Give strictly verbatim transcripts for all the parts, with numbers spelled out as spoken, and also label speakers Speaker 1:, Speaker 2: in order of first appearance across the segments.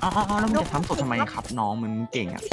Speaker 1: อ๋อแล้วมึงจะทำสดทำไมครับน้องมึงเก่งอ่ะ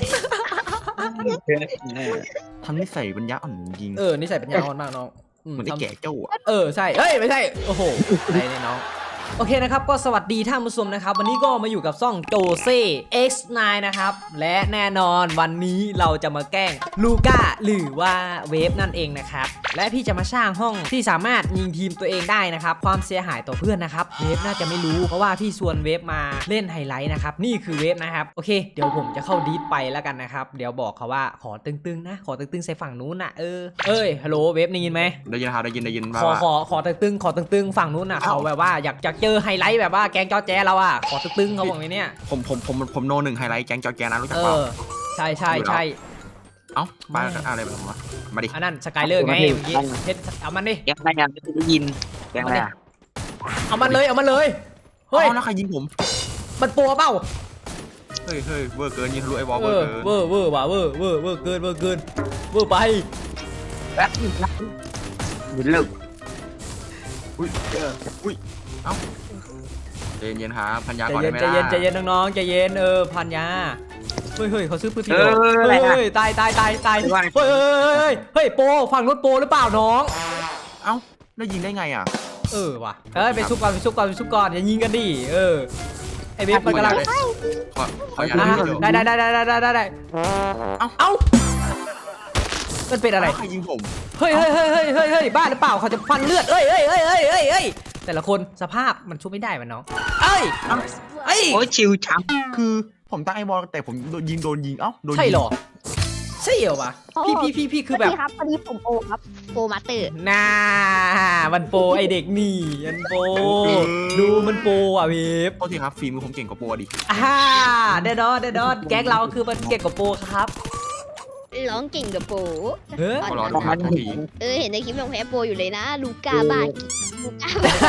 Speaker 1: ทำนิสัยปัญญาอ่อนจริง
Speaker 2: เออนิสัยปัญญาอ่อนมากน้อง
Speaker 1: เหมือนไอ้แก่เจ้าอ่ะ
Speaker 2: เออใช่เฮ้ยไม่ใช่โอ้โหอะไรเนี่ยน้องโอเคนะครับก็สวัสดีท่านผู้ชมนะครับวันนี้ก็มาอยู่กับซ่องโจเซ่ เอ็กซ์ ไนน์ นะครับและแน่นอนวันนี้เราจะมาแกล้งลูก้าหรือว่าเวฟนั่นเองนะครับและพี่จะมาสร้างห้องที่สามารถยิงทีมตัวเองได้นะครับความเสียหายต่อเพื่อนนะครับเวฟน่าจะไม่รู้เพราะว่าพี่ชวนเวฟมาเล่นไฮไลท์นะครับนี่คือเวฟนะครับโอเคเดี๋ยวผมจะเข้าดีดไปแล้วกันนะครับเดี๋ยวบอกเขาว่าขอตึงๆนะขอตึงๆใส่ฝั่งนู้นนะเออเอ้ยฮัลโหลเวฟได้ยินไหม
Speaker 1: ได้ยินครับได้ยินได้ยิน
Speaker 2: ขอขอขอตึงๆขอตึงๆฝั่งนู้นนะเขาแบบว่าอยากอยากเจอไฮไลท์แบบว่าแกงจอแจเราอ่ะขอตึงๆเขาบอกเลยเนี่ย
Speaker 1: ผมผมผมผมโนหนึ่งไฮไลท์แก๊งจอแกนะรู้จัก
Speaker 2: เอ
Speaker 1: เปล่า
Speaker 2: อใช่ใช่ใช่
Speaker 1: เอ้าบ้าอะไรแบบนี้มาดิ
Speaker 2: อันนั้นสกายเลอร์ไงเมื่อกี้เพชรเอามันดิ
Speaker 3: แกงอะไรอ่ะไม่ได้ยินแกงอะไรอ่ะ
Speaker 2: เอามันเลยเอามันเลยเฮ้ย
Speaker 1: แล้วใครยิงผม
Speaker 2: มันปัวเปล่า
Speaker 1: เฮ้ยเฮ้ยเวอร์เกินยิงทะลุไอ้บอล
Speaker 2: เว
Speaker 1: เว
Speaker 2: อ
Speaker 1: อร์
Speaker 2: ร์
Speaker 1: เกิน
Speaker 2: เวอร์เวอร์ว่ะเวอร์เวอร์เวอร์เกินเวอร์เกินเวอร์ไป
Speaker 3: แป๊บหยุดเลิก
Speaker 1: อุ้ยอุ้ยเอ้าใจเย็นครับพันยาก่อน
Speaker 2: ใจ
Speaker 1: ได้ไหม
Speaker 2: เย็นใจ
Speaker 1: ล่ะ
Speaker 2: เย็นใจเย็นน้องๆใจเย็นเออพันยาเฮ้ยเฮ้ยเขาซื้อปืนผิด
Speaker 3: เอออะไร
Speaker 2: เฮ้
Speaker 3: อ่ะ
Speaker 2: ยตายตายตายตายเฮ้ยเฮ้ยเฮ้ยโปฝั่งรถโปหรือเปล่าน้อง
Speaker 1: เอ้าได้ยิงได้ไงอ่ะ
Speaker 2: เออว่ะเอ้ยไปซุกก่อนไปซุกก่อนไปซุกก่อนอย่ายิงกันดิเออไอเวฟมันกำลัง
Speaker 1: ขอขออย่า
Speaker 2: ได้ได้ได้ได้ได้ได้ได้เอ้าเอ้ามันเป็นอะไร
Speaker 1: ใครยิงผม
Speaker 2: เฮ้ยเฮ้ยเฮ้ยเฮ้ยเฮ้ยเฮ้ยบ้าหรือเปล่าเขาจะฟันเลือดเอ้ยเอ้ยเอ้ยเอ้ยเอ้ยเอ้ยแต่ละคนสภาพมันชุบไม่ได้มันน้องเอ้ยเอ้ย
Speaker 3: โอ้ยชิวจัง
Speaker 1: คือผมตั้งไอ้บอลแต่ผมยิงโดนยิงเอ้าโดน
Speaker 2: ใช่หรอใช่เหรอวะพี่พี่พี่พี่คือแบบ
Speaker 4: ครับพอดีผมโอครับโปรมาเตอร์
Speaker 2: น่ามันโปไอเด็กนี่มันโปดูมันโปอ่ะเวฟ
Speaker 1: โทษทีครับฝีมือผมเก่งกว่าโปรดิ
Speaker 2: อ่าเดดอนเดดอนแก๊งเราคือมันเก่งกว่าโปครับ
Speaker 4: ร้องเก่งกับโปร
Speaker 2: เฮ้ย
Speaker 1: รอดูครับที
Speaker 4: เออเห็นในคลิปยังแพ้โปรอยู่เลยนะลูก้าบ้าลูก้า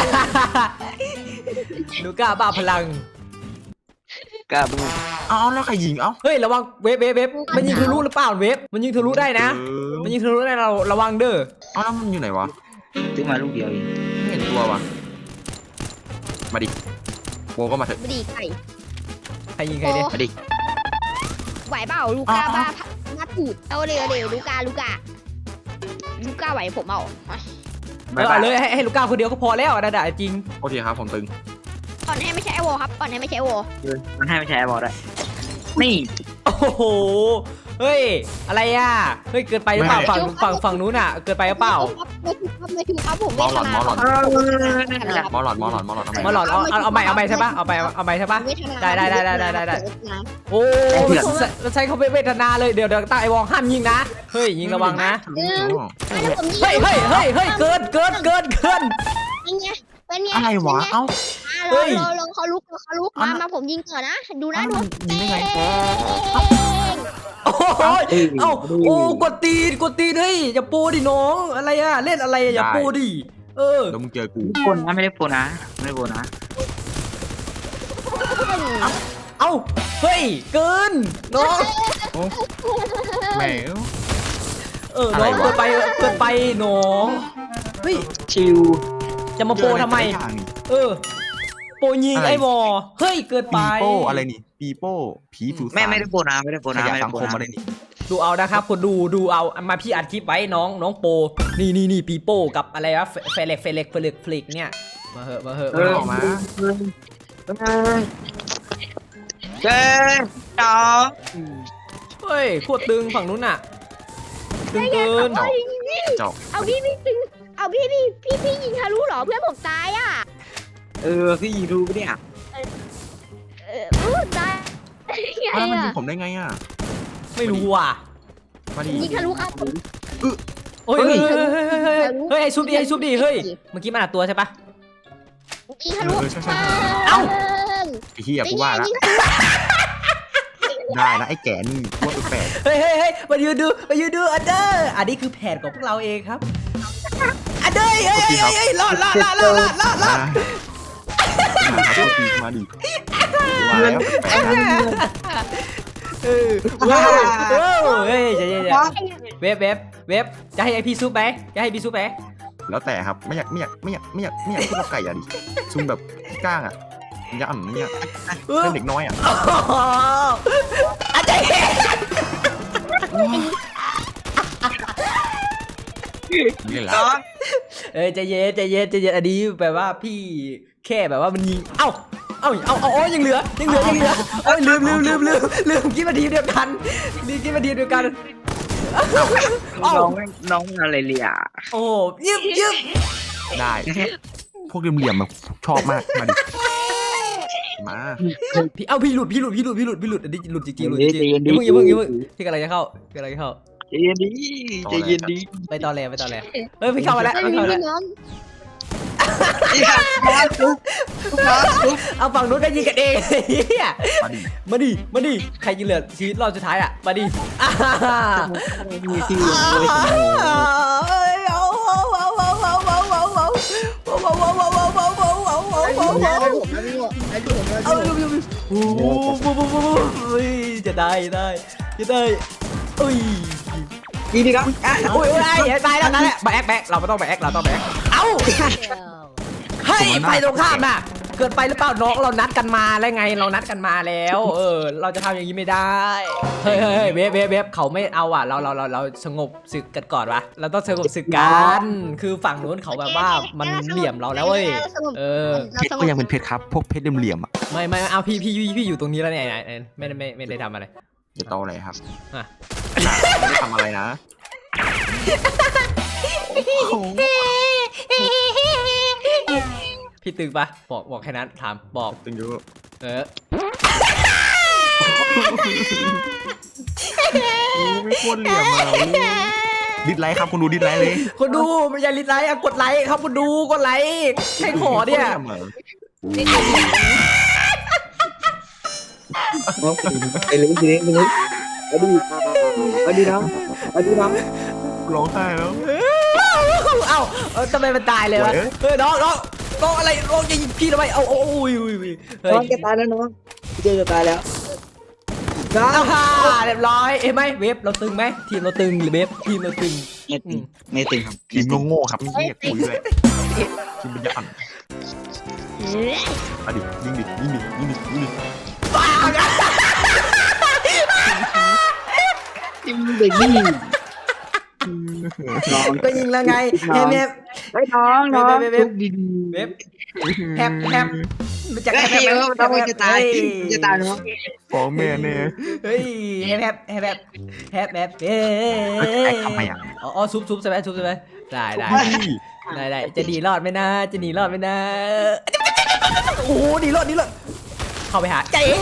Speaker 2: ลูก้าบ้าพลัง
Speaker 3: กล้าบู
Speaker 1: เอ้าแล้วใครยิงเอ้า
Speaker 2: เฮ้ยระวังเวฟเวฟเวฟมันยิงทะลุหรือเปล่าเวฟมันยิงทะลุได้นะมันยิงทะลุได้เราระวังเด้อ
Speaker 1: เอ้าแล้วมันอยู่ไหนวะ
Speaker 3: ซื้อมาลูกเดียวเอง
Speaker 1: ไม่เห็นตัววะมาดิโปก็มาเถอะ
Speaker 4: ไม่ดีไก่
Speaker 2: ใครยิงใครเนี่ย
Speaker 1: มาดิ
Speaker 4: ไหวเปล่าลูก้าบ้ามาถูดเอาเร็วเร็วลูก้าลูก้าลูก้าไหวผมเอา
Speaker 2: เออเลยให้ลูก้าคนเดียวก็พอแล้วนะด่าจริง
Speaker 1: โอเคครับผมตึง
Speaker 4: ก่อนให้ไม่ใช่ไอโวครับก่อนให้ไม่ใช่ไอโว
Speaker 3: มันให้ไม่ใช่บอลได้นี่
Speaker 2: โอ้โหเฮ้ยอะไรอ่ะเฮ้ยเกินไปหรือเปล่าฝั่งฝั่งฝั่งนู้นอ่ะเกินไปหรือเปล่า
Speaker 4: ไม่ถูกครับไม่ถูกครับผม
Speaker 1: มอหลอดมอหลอด
Speaker 3: มอหลอด
Speaker 1: มอหลอดมอหลอด
Speaker 2: มาหลอดเอาเอาเอาใหม่เอาใหม่ใช่ปะเอาไปเอาใหม่ใช่ปะได้ได้ได้ได้ได้ได้โอ้เราใช้เขาเวทนาเลยเดี๋ยวเดี๋ยวตั้งไอวองห้ามยิงนะเฮ้ยยิงระวังนะเฮ้ยเฮ้ยเฮ้ยเฮ้ยเกินเกินเกินเกิน
Speaker 4: เป็นไงเป็นไง
Speaker 1: อะไรวะเอ้า
Speaker 4: เฮ้ยลงเขาลุกเขาลุกมามาผมยิงก่อนนะดูนะดู
Speaker 1: ยิงได้ไง
Speaker 2: โอ้ยเอ้าโอ้กดตีนกดตีนเฮ้ยอย่าโปดิน้องอะไรอะเล่นอะไรอย่าโปดิเออ
Speaker 1: แล้วมึงเจอกู
Speaker 3: โปนะไม่ได้โปนะไม่ได้โปนะ
Speaker 2: เอ้าเฮ้ยเกินน้อง
Speaker 1: แมว
Speaker 2: เออน้องเกินไปเกินไปน้องเฮ้ย
Speaker 3: ชิว
Speaker 2: จะมาโปทำไมเออโปยิงไอ้บอเฮ้ยเกินไป
Speaker 1: ปีโป้อะไรนี่ปีโป้ผีผิว
Speaker 3: แม่ไม่ได้โปนะไม่ได้โปนะไม่ได้
Speaker 1: โปนะอะไรนี่
Speaker 2: ดูเอานะครับคนดูดูเอามาพี่อัดคลิปไว้น้องน้องโปนี่นี่นี่ปีโป้กับอะไรวะเฟเล็กเฟเล็กเฟเล็กฟลิกเนี่ยมาเหอะมาเหอะ
Speaker 3: ออกมาเจ๊จ๋า
Speaker 2: เฮ้ยโคตรตึงฝั่งนู้นน่ะตึงเกิน
Speaker 4: เอาพี่พี่ตึงเอาพี่พี่พี่พี่ยิงทะลุหรอเพื่อนผมตายอ่ะ
Speaker 3: เออพี่ยิงรู้ปะเนี่ย
Speaker 4: เออตาย
Speaker 1: แล้วมันยิงผมได้ไงอ่ะ
Speaker 2: ไม่รู้ว่ะ
Speaker 1: มาดิ
Speaker 4: ยิงทะลุครับ
Speaker 2: โอ้ยเฮ้ยเฮ้ยเฮ้ยไอ้ซุปดิไอ้ซุปดิเฮ้ยเมื่อกี้มันอัดตัวใช่ปะ
Speaker 4: ยิงทะลุ
Speaker 2: เอ้า
Speaker 1: ไอ้เหี้ยกูว่าแล้วได้นะไอ้แก่นี่ว่าเป็นแปด
Speaker 2: เฮ้ยเฮ้ยเฮ้ยมายืนดูมายืนดูอันเดอร์อันนี้คือแผนของพวกเราเองครับอันเดอร์เฮ้ยเฮ้ยเฮ้ยรอดรอดรอดรอดรอดรอดรอด
Speaker 1: มาดิ
Speaker 2: มาแล้วเออว้าวเฮ้ยเดี๋ยวเว็บเว็บเว็บจะให้ไอพี่ซุปไหมจะให้พี่ซุปไหม
Speaker 1: แล้วแต่ครับไม่อยากไม่อยากไม่อยากไม่อยากไม่อยากพูดว่าไก่อะดิซุ่มแบบก้างอะปัญญาอ่อนเนี่ย
Speaker 2: เออ
Speaker 1: เป็นเด็กน้อยอ่ะ
Speaker 2: อาจารย์
Speaker 1: นี่แหละ
Speaker 3: น้อง
Speaker 2: เอ้ยใจเย็นใจเย็นใจเย็นอันนี้แปลว่าพี่แค่แบบว่ามันยิงเอ้าเอ้าเอาเอาอ๋อยังเหลือยังเหลือยังเหลือเอ้ยลืมลืมลืมลืมลืมคิดมาทีมเดียวกันนี่คิดมาทีมเดียวกันเอ้า
Speaker 3: น้องน้องอะไรเลีย
Speaker 2: โอ้ยึบยึบ
Speaker 1: ได้พวกเหลี่ยมๆมาชอบมากมาดิมา
Speaker 2: พี่เอ้าพี่หลุดพี่หลุดพี่หลุดพี่หลุดพี่หลุดอันนี้หลุดจริงๆหลุดจริงๆอย่าเพิ่งอย่าเพิ่งอย่าเพิ่งพี่กำลังจะเข้าพี่กำลังจะเข้า
Speaker 3: ใจเย็นดีใจเย็นดี
Speaker 2: ไปตอนแรกไปตอนแรกเฮ้ยพี่เข้ามาแล้ว
Speaker 4: ไม่
Speaker 2: พี่
Speaker 4: มี
Speaker 2: เข้ามาแล้ว
Speaker 4: พี่น้อง
Speaker 3: มาทุบมาทุบ
Speaker 2: เอาฝั่งนู้นก็ยิงกันเองเฮีย
Speaker 1: มาดิ
Speaker 2: มาดิมาดิใครยิงเหลือชีวิตรอบสุดท้ายอ่ะมาดิอ่า
Speaker 3: มีที่
Speaker 2: เอ้ยเอาเอาเอาเอาเอาเอาเอาเอาเอาเอาเอาเอาเอาเอาเอาเอาโอ้โหจะได้ได้จะได้อุ้ย
Speaker 3: ดีดีครับอ่ะ
Speaker 2: อุ้ยอุ้ยตายแล้วนั่นแหละแบกแบกเราไม่ต้องแบกเราต้องแบกเอ้าเฮ้ยไปตรงข้ามน่ะเกิดไปหรือเปล่าน้องเรานัดกันมาแล้วไงเรานัดกันมาแล้ว เออ เราจะทำอย่างนี้ไม่ได้เฮ้ยเฮ้ยเวฟเวฟเวฟเขาไม่เอาอ่ะเราเราเราเราสงบศึกกันก่อนวะเราต้องสงบศึกกันคือฝั่งนู้นเขาแบบว่ามันเหลี่ยมเราแล้วเว้ยเออ
Speaker 1: เพชรก็ยังเป็นเพชรครับพวกเพชรเหลี่ยมๆอ่ะ
Speaker 2: ไม่ไม่เอาพี่พี่พี่พี่อยู่ตรงนี้แล้วเนี่ยไม่ไม่ไม่ได้ทำอะไร
Speaker 1: จะโตอะไรครับ
Speaker 2: อ่ะ
Speaker 1: ไม่ได้ทำอะไรนะ
Speaker 2: พี่ตึงปะบอกบอกแค่นั้นถามบอก
Speaker 1: ตึงอยู่
Speaker 2: เออ
Speaker 1: ไม่ควรเหลี่ยมอ่ะดิสไลค์ครับคุณดูดิสไลค์เลย
Speaker 2: คนดูไม่อย่าลิดไลค์อะกดไลค์ครับคนดูกดไลค์ใครขอเนี่ย
Speaker 3: ไปเลยทีนี้ทีนี้เอาดีเอาดีน้องเอาดีน้อง
Speaker 1: ร้องไห้แล้ว
Speaker 2: เอ้าเอ้าทำไมมันตายเลยวะ
Speaker 1: เฮ้ย
Speaker 2: เฮ้ยน้องน้องน้องอะไรน้องจะยิงพี่ทำไมเอาโอ้ยอุ้ยอุ้ยเฮ้ย
Speaker 3: น้องจะตายแล้วน้องเจอจะตายแล้วน้อง
Speaker 2: อ้าวฮ่าเรียบร้อยเอ้ยไหมเวฟเราตึงไหมทีมเราตึงหรือเวฟทีมเราตึง
Speaker 3: ไม่ตึงไม่ตึงครับ
Speaker 1: ทีมโง่ๆครับไม่เรียกคุยด้วยทีมปัญญาอ่อนมาดิยิงดิยิงดิยิงดิยิงดิ
Speaker 3: ทีมเด็กนี่น้อง
Speaker 2: ก็ยิงแล้วไงเฮ้ยเวฟ
Speaker 3: ไอ้น้องน้องทุบดี
Speaker 2: เวฟแฮปแฮปมันจะ
Speaker 3: จะ
Speaker 2: แฮป
Speaker 3: ให้
Speaker 2: แฮป
Speaker 3: ว่าต้องจะตายจะตายน้อง
Speaker 1: ฟ้องแม่แน่
Speaker 2: เฮ้ยแฮปแฮปแฮปแฮปแฮปแฮปเอ้
Speaker 1: ไอ้ทำไมอ่ะ
Speaker 2: อ๋อซุบซุบใช่ไหมซุบใช่ไหมได้ได้ ได้ได้จะหนีรอดไหมนะจะหนีรอดไหมนะโอ้โหหนีรอดหนีรอดเข้าไปหาใจเอ๋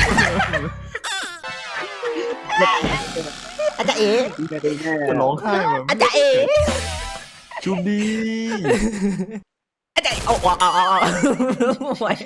Speaker 2: อาจารย์เอ๋
Speaker 1: จะร้องไห้แบบ
Speaker 2: อาจารย์เอ๋
Speaker 1: ชุบดี
Speaker 2: อาจารย์เอาเอาเอาเอาเอาไหว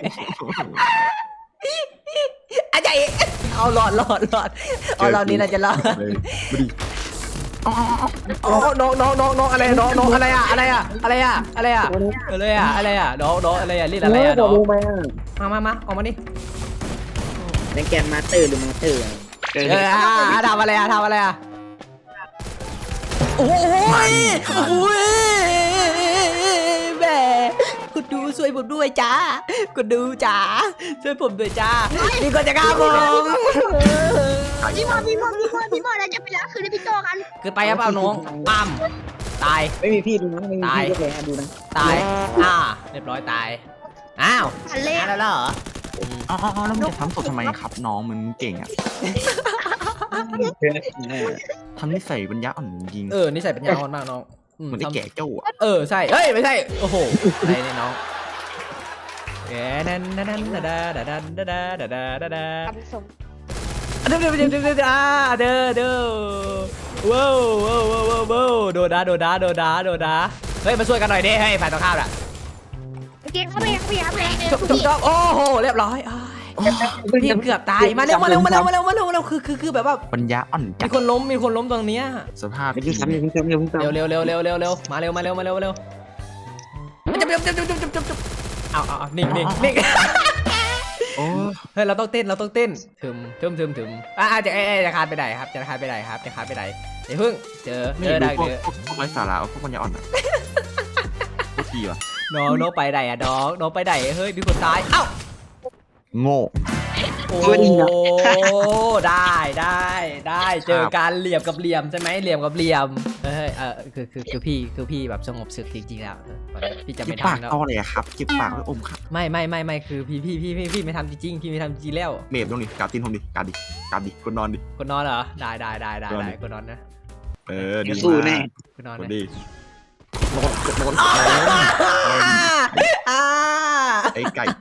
Speaker 2: อาจารย์เอ๋เอาหลอดหลอดหลอดเอาเรานี้เราจะรอด
Speaker 1: เลยมาดิ
Speaker 2: อ๋อน้องน้องน้องน้องอะไรน้องน้องอะไรอะอะไรอะอะไรอะอะไรอะอะไรอะอะไรอะน้องน้องอะไรอะเรียกอะไรอะน้องมามามาออกมานี่
Speaker 3: ในแกนมาเตอร์หรือมาเตอร์
Speaker 2: เออทำอะไรอะทำอะไรอะโอ้ยโอ้ยแม่กดดูช่วยผมด้วยจ้ากดดูจ้าช่วยผมด้วยจ้านี่ก็จะฆ่าผม
Speaker 4: พี่มอพี่มอพี่มอพี่มอเราจะไปล้างคืนให้พี่โตกัน
Speaker 2: เกิดไปครับเปล่าน้องปั๊มตาย
Speaker 3: ไม่มีพี่ดูนะไม่มีพี่ก็เลยดูนะ
Speaker 2: ตายอ่าเรียบร้อยตายอ้าว
Speaker 4: ทันเล่
Speaker 2: ตายแล้วเหรอ
Speaker 1: อ๋อแล้วมันจะทำสดทำไมครับน้องมันเก่งอ่ะทำนิสัยปัญญาอ่อนจริง
Speaker 2: เออนี่ใส่ปัญญาอ่อนมากน้อง
Speaker 1: เหมือนได้แก่เจ้าอ่ะ
Speaker 2: เออใช่เฮ้ยไม่ใช่โอ้โหอะไรเนี่ยน้องแกนันนันนันดาดาดาดาดาดาดาดาดา
Speaker 4: กับสม
Speaker 2: เด้อเด้อเด้อเด้อเด้ออ่าเด้อเด้อว้าวว้าวว้าวว้าวโดดาโดดาโดดาโดดาเฮ้ยมาช่วยกันหน่อยดิให้ฝ่ายตรงข้ามน่ะ
Speaker 4: โอเคเข้าไปเข้าไปเข้าไป
Speaker 2: จบจบจบโอ้โหเรียบร้อยพี่เกือบตายมาเร็วมาเร็วมาเร็วมาเร็วมาเร็วมาเร็วคือคือคือแบบว่า
Speaker 1: ปัญญาอ่อนจั
Speaker 2: มี
Speaker 1: ด
Speaker 2: คนล้มมีคนล้มตรงเนี้ย
Speaker 1: สภาพ
Speaker 3: ไม่ใช่ซ้ำไม่ใช่ซ้ำไม่ใช่ซ้ำ
Speaker 2: เร็วเร็วเร็วเร็วเร็วเร็วมาเร็วมาเร็วมาเร็วมาเร็วจับจับจับจับจับจับจับเอาเอาเอานิ่งนิ่งนิ่ง
Speaker 1: โอ้
Speaker 2: เฮ้ยเราต้องเต้นเราต้องเต้นถึมถึมถึมถึมอ่าจะเอ๊ะจะคานไปไหนครับจะคานไปไหนครับจะคานไปไหนเดี๋ยวพึ่งเจอ
Speaker 1: ไม่
Speaker 2: เจอได้
Speaker 1: รู้พวก
Speaker 2: เจอ
Speaker 1: พวกไร้สาระพวกปัญญาอ่อนอ่ะโคตรทีว่ะ
Speaker 2: น้องน้องไปไหนอะน้องน้องไปไหนเฮ้ยมีคนตายเอ้า
Speaker 1: โง่
Speaker 2: โอ้ได้ได้ได้เจอการเหลี่ยมกับเหลี่ยมใช่ไหมเหลี่ยมกับเหลี่ยมเฮ้ยเออคือคือคือพี่คือพี่แบบสงบศึกจริงๆแล้วพี่จะ
Speaker 1: จิ
Speaker 2: ไม่
Speaker 1: บปาก
Speaker 2: ทำแล้ว
Speaker 1: ต่อเลยอะครับจิบปากไว้อมครับ
Speaker 2: ไม่ไม่ไม่ไม่คือพี่พี่พี่พี่พี่ไม่ทำจริงๆพี่ไม่ทำจริงแล้ว
Speaker 1: เมฟตรงนี้กาดตีนผมดิกาดดิกาดดิกดนอนดิ
Speaker 2: คนนอนเหรอได้ได้ได้ได้ได้คนนอนนะ
Speaker 1: เออดี
Speaker 3: เดี๋ยวสู้แน่
Speaker 2: คนนอน
Speaker 1: กด
Speaker 2: นะ
Speaker 1: ดินอนนอน
Speaker 2: อ่า
Speaker 1: ไอ้ไก่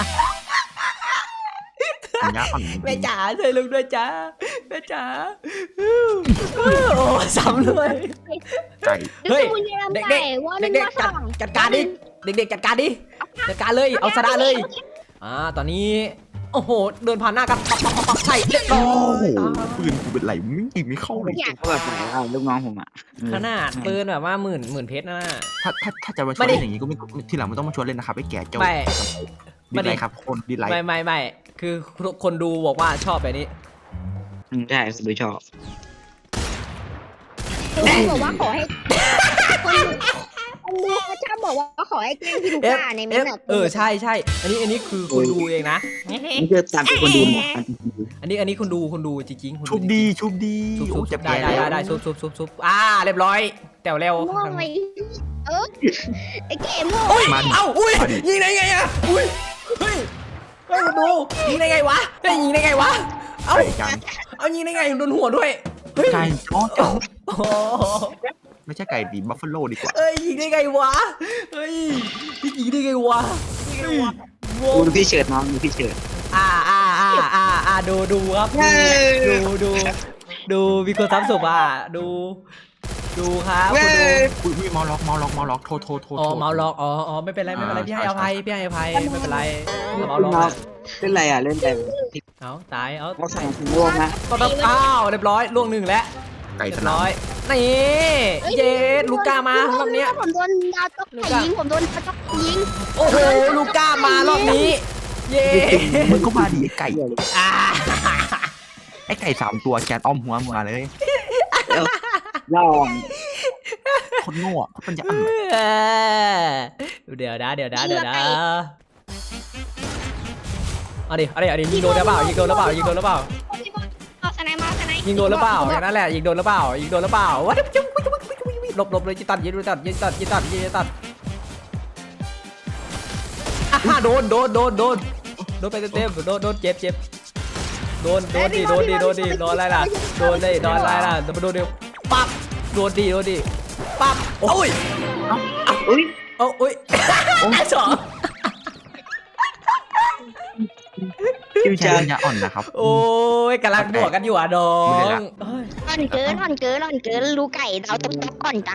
Speaker 1: ปัญญาอ่อน
Speaker 2: แม่จ๋าช่วยลุงด้วยจ้าแม่จ๋าโอ้ซ้ำเลย
Speaker 1: ไก่
Speaker 2: เฮ้ย
Speaker 4: เด็
Speaker 2: เด็
Speaker 4: ก
Speaker 2: ก
Speaker 4: ๆว่า
Speaker 2: เด็
Speaker 4: เด็
Speaker 2: ก
Speaker 4: ก
Speaker 2: ๆจัดจัดการดิเด็กๆจัดการดิจัดการเลยเอาชนะเลยอ่าตอนนี้โอ้โหเดินผ่านหน้ากันปักปักปักปักใส่เรียบร้อ
Speaker 1: โอ้โห
Speaker 2: ย
Speaker 1: ปืนกูเป็นไหลไม่ยิงไม่เข้าเลย
Speaker 3: เขาแบบไหนอ่ะลูกน้องผมอ่ะ
Speaker 2: ขนาดปืนแบบว่าหมื่นหมื่นเพชรนะ
Speaker 1: ถ้าถ้าถ้าจะมาชวนเล่นอย่างนี้ก็ไม่ทีหลังไม่ต้องมาชวนเล่นนะครับไอ้แก่เจ้า
Speaker 2: ไม่
Speaker 1: ดีไลค์ครับคนดีไลค์
Speaker 2: ไม่ไม่ไม่คือคนดูบอกว่าชอบแบบนี้
Speaker 3: อืมใช่ผมไม่ชอบ
Speaker 4: คนบอกว่าขอให้คนดูคนดูเขาชอบบอกว่าขอให้แกล้งพี่ลู
Speaker 2: เอฟ
Speaker 4: ก้าในเม
Speaker 2: เอน ฟ
Speaker 4: ต์
Speaker 2: เออใช่ใช่อันนี้อันนี้คือคนดูเองนะ
Speaker 3: นี่คือตามที่คนดูหมด
Speaker 2: อันนี้อันนี้คุณดูคุณดูจริงๆคุณ
Speaker 1: ชุบดีชุบดี
Speaker 2: ชุบชุบ
Speaker 1: โอ้
Speaker 2: ชุ
Speaker 1: จะ
Speaker 2: บ
Speaker 1: แพ้
Speaker 2: ได้ได้
Speaker 1: แล้ว
Speaker 2: ได้ได้ชุบชุบชุบชุบอ่าเรียบร้อยแต่วเร็ว
Speaker 4: ม่วงไหมเออไอ้เก๋ม่วง
Speaker 2: โอ้ย
Speaker 1: มัน
Speaker 2: เอ้าอุ้ยยิงได้ไงอะอุ้ยเฮ้ยเฮ้ยคุณดูยิงได้ไงวะเฮ้ยยิงได้ไงวะเอ้า
Speaker 1: ไก่กัน
Speaker 2: เอายิงได้ไงโดนหัวด้วยเฮ้ย
Speaker 1: ไก่อ๋อเจ้า
Speaker 2: โอ้โห
Speaker 1: ไม่ใช่ไก่ดีบัฟฟาโลดีกว่า
Speaker 2: เฮ้ยยิงได้ไงวะเฮ้ยพี่ยิงได้ไงวะเฮ้ยโว้
Speaker 3: ดูพี่เฉิดน้องดูพี่เฉิด
Speaker 2: อ่าอ่าอ่าอ่าอ่าดูดูครับดูดูดูมีคนทำศพอ่ะดูดูครับคุณดู
Speaker 1: อุ้ยอุ้ยเมาล็อกเมาล็อกเมาล็อกโทษโทษโทษ
Speaker 2: อ๋อ
Speaker 1: โทษ
Speaker 2: เมาล็อกอ๋ออ๋อไม่เป็นไรไม่เป็นไร
Speaker 1: อ่า
Speaker 2: พี่ให้อภัยพี่ให้อภัยไม่เป็นไรเมา
Speaker 3: น้
Speaker 2: ล็อก
Speaker 3: อง
Speaker 2: อะ
Speaker 3: เล่นอะไรอ่ะเล่นอะไร
Speaker 2: เอาตายเอา
Speaker 3: เขาสั่งคุณร่วงนะ
Speaker 2: ก็ต้องอ้าวเรียบร้อยล่วงหนึ่งแล้ว
Speaker 1: ไก่
Speaker 2: เรี
Speaker 1: ส
Speaker 2: ยบ
Speaker 1: นา
Speaker 2: ร้
Speaker 1: ม
Speaker 2: อยนี่เย็ดลูก้ามารอบเนี้ย
Speaker 4: ผมโดนดาวต๊อกไข่ยิงผมโดนดาวต๊อกไข่ยิง
Speaker 2: โอ้โหลูก้ามารอบนี้เย้
Speaker 1: มึงก็มาดิไอ้ไก่
Speaker 2: อ่า
Speaker 1: ไอ้ไก่สามตัวแกนอ้อมหัวมาเลย
Speaker 3: ลอง
Speaker 1: คนโง่อะคนจะอ่อน
Speaker 2: เดี๋ยวนะเดี๋ยวนะเดี๋ยวนะเอาดิเอาดิเอาดิยิงโดนหรือเปล่ายิงโดนหรือเปล่ายิงโดนหรือเปล่า
Speaker 4: เอาสไนมาสไน
Speaker 2: ยิงโดนหรือเปล่าอย่างนั้นแหละยิงโดนหรือเปล่ายิงโดนหรือเปล่าวะหลบหลบเลยจิตัดยิงตัดยิงตัดยิงตัดยิงตัดอ่ะโดนโดนโดนโดนโดนไปเต็มๆโดนโดนเจ็บเจ็บโดนโดนดิโดนดิโดนดิโดนอะไรล่ะโดนดิโดนอะไรล่ะโดนโดนดิปั๊บโดนดิโดนดิปั๊บโอ้ย
Speaker 3: อุ้ย
Speaker 2: โอ้อุ้ยสอง
Speaker 1: ไม่ใช่ปัญญาอ่อนนะครับ
Speaker 2: โอ้ยกำลังบวกกันอยู่อ่ะน้อง
Speaker 4: อ่อนเกินอ่อนเกินอ่อนเกินลูกไก่ดาวต๊อกต๊อกอ่อนจัง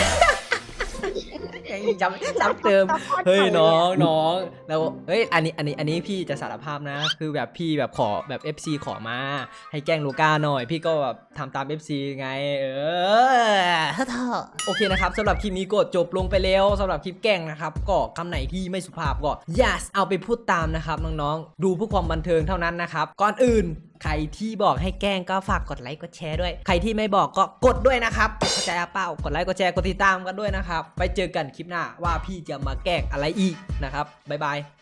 Speaker 2: จำจำเติมเฮ้ยน้องน้องแล้วเฮ้ยอันนี้อันนี้อันนี้พี่จะสารภาพนะ คือแบบพี่แบบขอแบบ เอฟ ซี ขอมาให้แกล้งลูก้าหน่อย พี่ก็แบบทำตาม เอฟ ซี ไงเออเถอะโอเคนะครับสำหรับคลิปนี้ก็จบลงไปแล้วสำหรับคลิปแกล้งนะครับก็คำไหนที่ไม่สุภาพก็อย่าเอาไปพูดตามนะครับน้องๆดูเพื่อความบันเทิงเท่านั้นนะครับก่อนอื่นใครที่บอกให้แกล้งก็ฝากกดไลค์กดแชร์ด้วยใครที่ไม่บอกก็กดด้วยนะครับเข้าใจเปล่ากดไลค์กดแชร์กดติดตามกันด้วยนะครับไปเจอกันคลิปหน้าว่าพี่จะมาแกล้งอะไรอีกนะครับบ๊ายบาย